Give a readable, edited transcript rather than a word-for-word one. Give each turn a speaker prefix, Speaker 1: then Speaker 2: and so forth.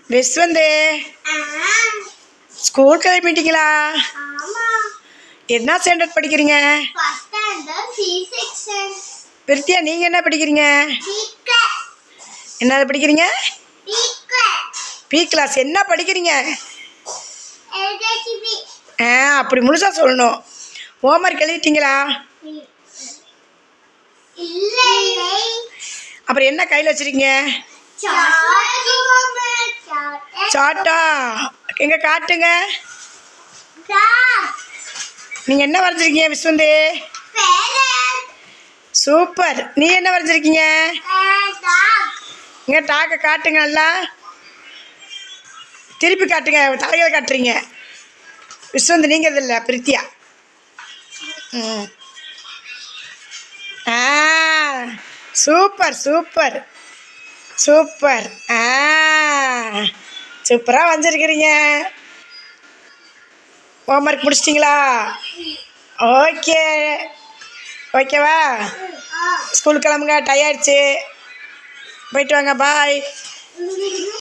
Speaker 1: விஸ்வந்து school கிளம்பிட்டீங்களா? என்ன standard படிக்கிறீங்க? பிரித்தியா, நீங்கள் என்ன படிக்கிறீங்க? என்னது படிக்கிறீங்க? B class. என்ன படிக்கிறீங்க? அப்படி முழுசா சொல்லணும். ஹோம்ஒர்க் எழுதிட்டீங்களா? அப்புறம் என்ன கையில் வச்சுருக்கீங்க? சாட்டா. எங்கே காட்டுங்க. நீங்கள் என்ன வரைஞ்சிருக்கீங்க விஸ்வந்து? சூப்பர். நீ என்ன வரைஞ்சிருக்கீங்க? இங்கே டாக்கை காட்டுங்க. நல்லா திருப்பி காட்டுங்க. தலைகளை காட்டுறீங்க. விஸ்வந்து நீங்கள் இது இல்லை, பிரித்தியா. Super super super. சூப்பராக வந்திருக்கிறீங்க. ஹோம்ஒர்க் முடிச்சிட்டிங்களா? ஓகே. ஓகேவா? ஸ்கூலுக்கு கிளம்புங்க. டயர்டாயிடுச்சு. போயிட்டு வாங்க. பாய்.